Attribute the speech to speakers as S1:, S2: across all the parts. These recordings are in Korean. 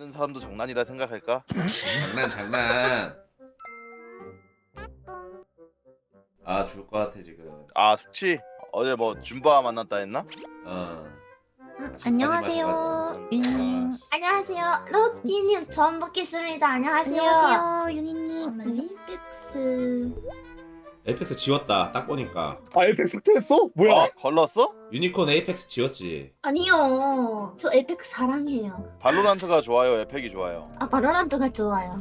S1: 하는 사람도 장난이라 생각할까?
S2: 장난. 아 죽을 것 같아 지금.
S1: 아 숙취? 어제 뭐 줌바 만났다 했나?
S3: 안녕하세요, 유니님.
S4: 안녕하세요. 로키님 처음 뵙겠습니다. 안녕하세요.
S3: 안녕하세요, 유니님.
S4: 에이펙스.
S2: 에이펙스 지웠다 딱 보니까.
S5: 아 에이펙스 삭제했어? 뭐야?
S1: 아, 걸렀어?
S2: 유니콘 에이펙스 지웠지.
S4: 아니요. 저 에이펙스 사랑해요.
S1: 발로란트가 좋아요, 에펙이 좋아요?
S4: 아 바로란트가 좋아요.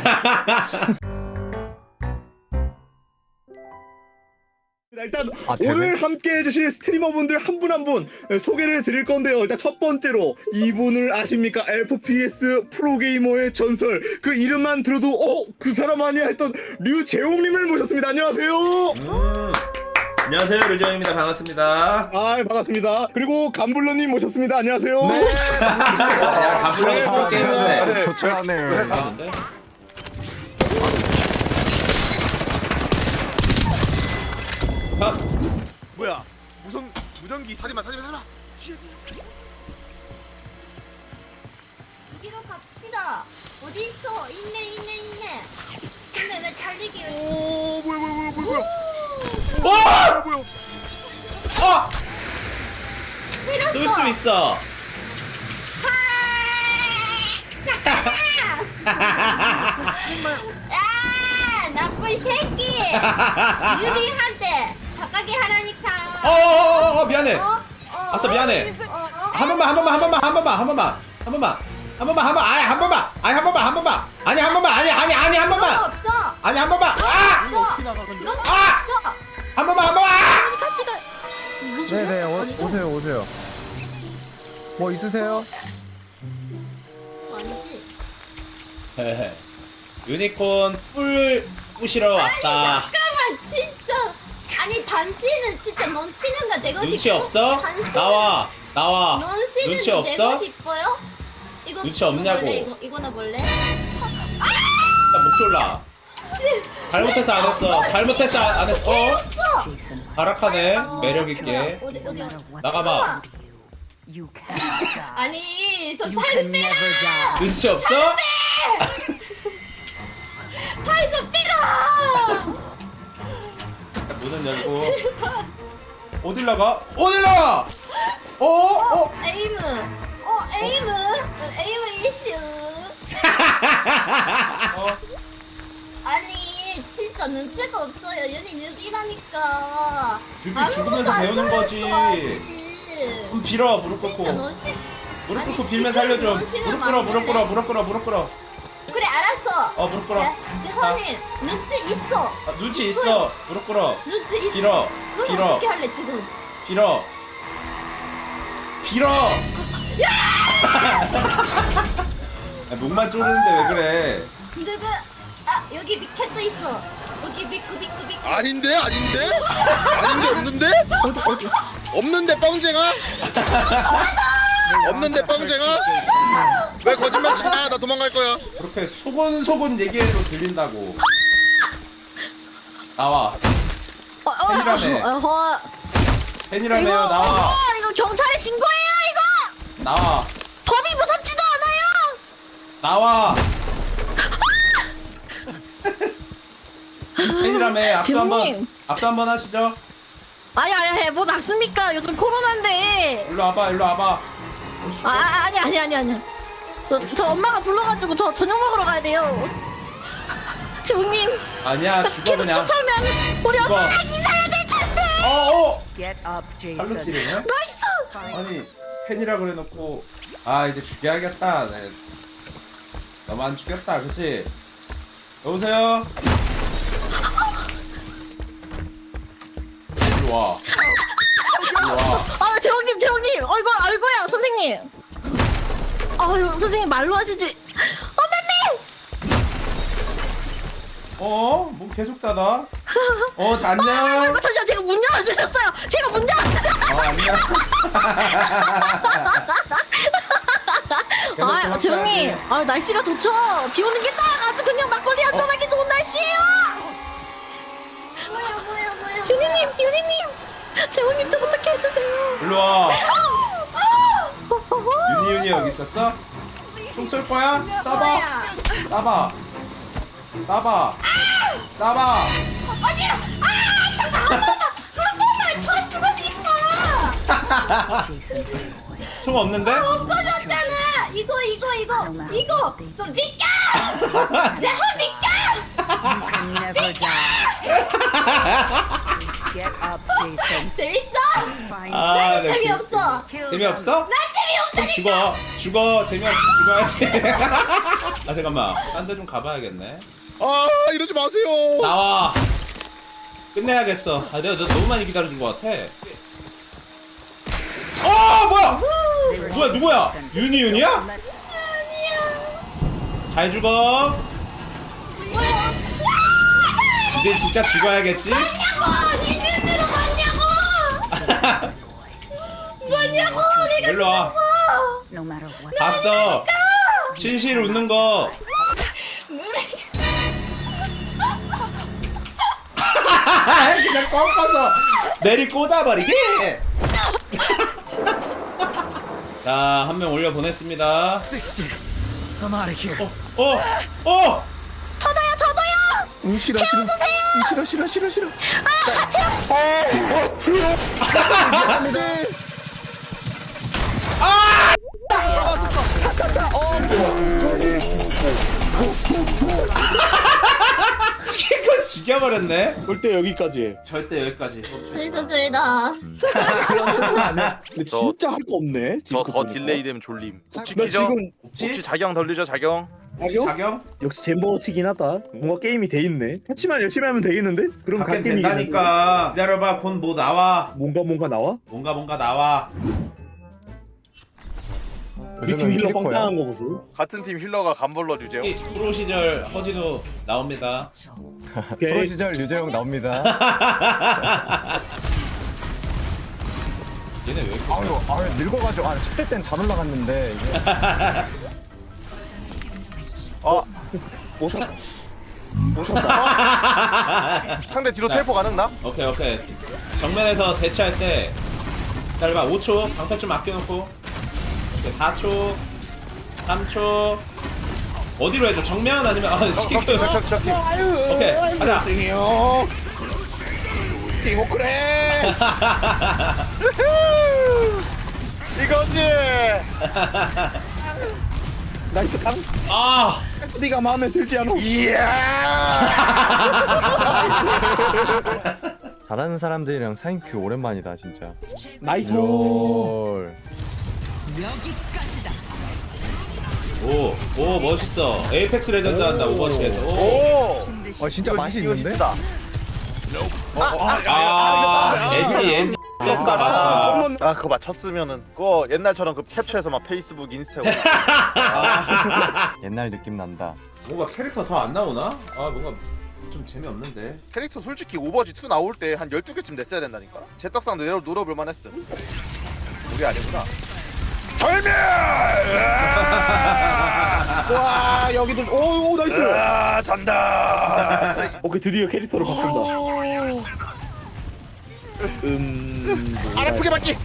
S5: 일단 오늘 함께 해주실 스트리머분들 한 분 한 분 소개를 드릴 건데요. 일단 첫 번째로 이분을 아십니까? FPS 프로게이머의 전설. 그 이름만 들어도 그 사람 아니야 했던 류재홍님을 모셨습니다. 안녕하세요.
S2: 안녕하세요 류정입니다. 반갑습니다.
S5: 아 반갑습니다. 그리고 감블러님 모셨습니다. 안녕하세요.
S2: 야 가불러도 프로게이머네.
S6: 조촐하네.
S2: 잘하는데?
S6: 뭐야? 무전기 사지마. 뒤에.
S4: 죽이러 갑시다. 어디 있어? 있네. 근데 왜 달리기?
S6: 오 뭐야?
S2: 오! 쏠 수 있어.
S4: 아 나쁜 새끼. 유리한테 착하게 하라니까.
S2: 미안해. 아싸 미안해. 한 번만. 아니 한 번만.
S4: 없어.
S2: 아니 한 번만.
S4: 없어. 그런 거 없어.
S2: 한 번만.
S4: 같이 가.
S6: 네네 오세요. 뭐 있으세요?
S4: 아니지.
S2: 유니콘 뿔 부시러 왔다.
S4: 잠깐만 진짜. 아니 당신은 진짜 넌 쉬는 거 되고
S2: 눈치
S4: 싶어?
S2: 없어?
S4: 당신
S2: 나와.
S4: 넌 쉬는
S2: 눈치
S4: 거
S2: 없어?
S4: 되고 싶어요?
S2: 눈치 없냐고.
S4: 볼래? 이거나 볼래?
S2: 목 졸라. 잘못해서 안 했어. 잘못해서 안 했어.
S4: 없어.
S2: 발악하네. 매력 있게.
S4: 어디
S2: 나가봐.
S4: 아니 저 살 빼라.
S2: 눈치 없어?
S4: 팔 좀 빼라.
S2: 문은 열고. 어딜 나가?
S4: 에이무 이슈. 아니 진짜 눈치가 없어요. 연인 뉴비라니까.
S2: 뉴비 죽으면서 배우는 거지. 그럼 빌어 무릎
S4: 진짜
S2: 꿇고.
S4: 넌 시...
S2: 무릎
S4: 아니,
S2: 꿇고 빌면
S4: 진짜
S2: 살려줘.
S4: 넌 싫으면
S2: 무릎
S4: 안
S2: 꿇어.
S4: 될래? 그래 알았어.
S2: 무릎 꿇어.
S4: 형님 눈치 있어.
S2: 눈치 있어. 무릎 꿇어.
S4: 눈치 있어.
S2: 빌어.
S4: 그럼
S2: 빌어.
S4: 어떻게 할래 지금?
S2: 빌어. 목만 쪼르는데 왜 그래?
S4: 근데 여기 미캣도 있어. 여기 비크.
S6: 아닌데? 없는데 뻥쟁아? 왜 거짓말 치냐? 나 도망갈 거야.
S2: 그렇게 소곤소곤 얘기해도 들린다고. 나와. 팬이라며 나와.
S3: 이거 경찰에 신고해요, 이거!
S2: 나와.
S3: 법이 무섭지도 않아요!
S2: 나와. 팬이라며
S3: 재훈님.
S2: 악수 한번 하시죠.
S3: 아니, 뭐 낙습니까? 요즘 코로나인데.
S2: 일로 와봐.
S3: 아니. 저 엄마가 불러가지고 저 저녁 먹으러 가야 돼요. 재훈님.
S2: 아니야 죽어
S3: 계속
S2: 그냥.
S3: 쫓아오면 우리
S2: 죽어.
S3: 엄마가 이사야 될 텐데!
S7: Get up, Jason.
S2: 팔로 찌르네.
S3: 나이스!
S2: 아니 팬이라 그래놓고 이제 죽여야겠다. 네. 너만 죽였다 그치? 여보세요? 일로 와.
S3: 재홍님! 이거 아이고야, 선생님! 아유, 선생님 말로 하시지.
S2: 문 계속 닫아? 안녕?
S3: 아이고, 잠시만, 제가 문 열어드렸어요!
S2: 안녕. 계속
S3: 재홍님!
S2: 해야지.
S3: 날씨가 좋죠? 비 오는 게 딱 아주 그냥 막걸리 한잔하기 좋은 날씨예요!
S4: 뭐야.
S3: 유니님! 재홍님 좀 어떻게 해주세요!
S2: 일로 와. 유니 여기 있었어? 총 쏠 거야? 쏴봐.
S4: 뭐야?
S2: 쏴봐. 쏴봐. 쏴봐.
S4: 어지러. 잠깐 한 번만 더 쓰고 싶어.
S2: 총 없는데?
S4: 없어졌잖아. 이거 좀 비켜. 제호 비켜.
S7: Never die. Get up, Jason.
S4: 재밌어?
S7: Find
S2: 아, 네.
S4: 재미없어.
S7: kill them.
S2: 재미없어?
S4: 나 재미없다니까.
S2: 죽어. 죽어야지. 아, 잠깐만. 딴 데 좀 가봐야겠네.
S6: 아 이러지 마세요.
S2: 나와. 끝내야겠어. 아, 내가 너 너무 많이 기다려준 것 같아. 뭐야? 뭐야, 누구야? 윤이야? 잘 죽어. 이제 진짜 죽어야겠지?
S4: 뭐냐고.
S2: 일로 와.
S7: No matter what.
S2: 봤어. 실실 웃는 거. 그냥 꺾어서 내리 꽂아버리기. 자, 한 명 올려 보냈습니다.
S3: 저도요.
S6: 싫어.
S2: 치킨 죽여버렸네.
S5: 절대 여기까지.
S2: 절대 여기까지.
S4: 재밌었습니다.
S5: 근데 진짜 할 거 없네.
S1: 저
S5: 딜코
S1: 더
S5: 보니까.
S1: 딜레이 되면 졸림. 혹시
S5: 나
S1: 기죠?
S5: 지금
S1: 혹시 자경 덜리죠 자경?
S2: 자경?
S5: 역시 잼버치긴 하다. 뭔가 게임이 돼 있네. 패치만 열심히 하면 되겠는데? 그럼
S2: 갖게
S5: 갓 게임이
S2: 된다니까. 기다려봐. 곧 뭐 나와.
S5: 뭔가 나와?
S2: 뭔가 나와.
S5: 우리 팀 힐러 빵빵한 거 보소.
S1: 같은 팀 힐러가 간벌러 주제요.
S2: 이 프로 시절 허진우 나옵니다.
S5: 오케이.
S6: 시절 유재용 나옵니다.
S2: 얘네 왜 이렇게
S6: 아유 늙어가지고 10대 땐 잘 올라갔는데 이게.
S1: 상대 뒤로 텔포 가능 나?
S2: 오케이. 정면에서 대치할 때 기다려봐. 5초. 방패 좀 아껴놓고. 오케이, 4초. 3초. 어디로 해줘? 정면 아니면 치킨. 오케이, 가자.
S1: 이거지.
S5: 나이스 강.
S2: 아,
S5: 네가 마음에 들지 않아?
S6: 잘하는 사람들이랑 사인큐 오랜만이다 진짜.
S5: 나이스.
S6: 롤.
S2: 오, 멋있어. 에이펙스 레전드 한다 오버워치에서. 오.
S6: 진짜 맛이 있는데?
S2: 엔지 됐다 맞아.
S1: 아 그거 맞췄으면은 그거 옛날처럼 그 캡처해서 막 페이스북 인스타
S6: 옛날 느낌 난다.
S2: 뭔가 캐릭터 더 안 나오나? 아 뭔가 좀 재미없는데.
S1: 캐릭터 솔직히 오버워치 2 나올 때 한 12개쯤 냈어야 된다니까. 제 떡상도 노려볼 만했음. 우리 아니구나. 절멸!
S5: 와 여기도 오 나이스.
S1: 아 잔다.
S5: 오케이 드디어 캐릭터를 바꾼다.
S1: 안 아프게 받기.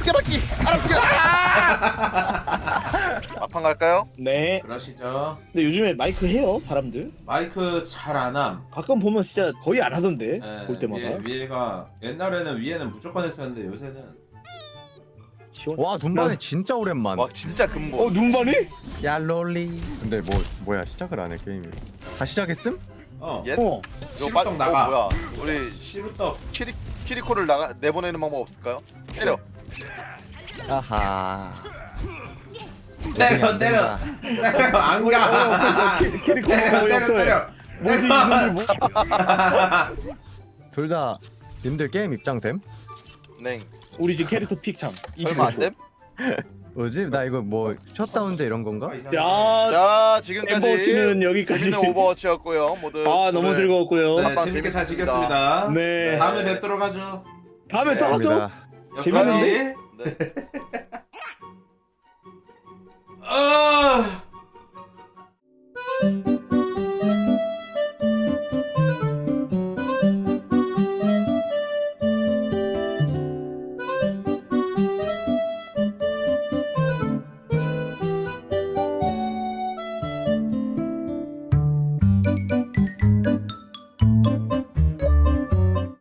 S1: 앞판 갈까요?
S5: 네.
S2: 그러시죠.
S5: 근데 요즘에 마이크 해요 사람들.
S2: 마이크 잘 안 함.
S5: 가끔 보면 진짜 거의 안 하던데.
S2: 예,
S5: 볼 때마다.
S2: 위에가 옛날에는 위에는 무조건 했었는데 요새는
S5: 시원.
S6: 와 눈반이 진짜 오랜만.
S1: 와 진짜 근본.
S5: 눈반이?
S6: 야 롤리. 근데 뭐야 시작을 안 해 게임이. 다 시작했음?
S1: 예?
S5: 어.
S2: 시루떡 나가.
S1: 뭐야? 우리
S2: 시루떡.
S1: 키리코를 내보내는 방법 없을까요? 때려.
S6: 아하.
S2: 때려. 안 가.
S5: 캐릭터
S2: 때려.
S5: 뭐지 이놈들 뭐?
S6: 둘 다 님들 게임 입장됨?
S1: 네.
S5: 우리 지금 캐릭터 픽참.
S1: 설마 안 됨?
S6: 뭐지? 나 이거 뭐 셧다운제 이런 건가?
S5: 자,
S1: 자 지금까지
S5: 오버워치는 여기까지.
S1: 재밌는 오버워치였고요. 모두
S5: 너무
S1: 오늘
S5: 즐거웠고요.
S2: 네,
S1: 한번
S2: 재밌게 잘
S1: 재밌었습니다.
S2: 즐겼습니다.
S5: 네.
S2: 다음에 뵙도록 하죠.
S5: 다음에 또 하죠.
S6: 감사합니다.
S5: 재밌는데?
S1: 네.
S2: 아.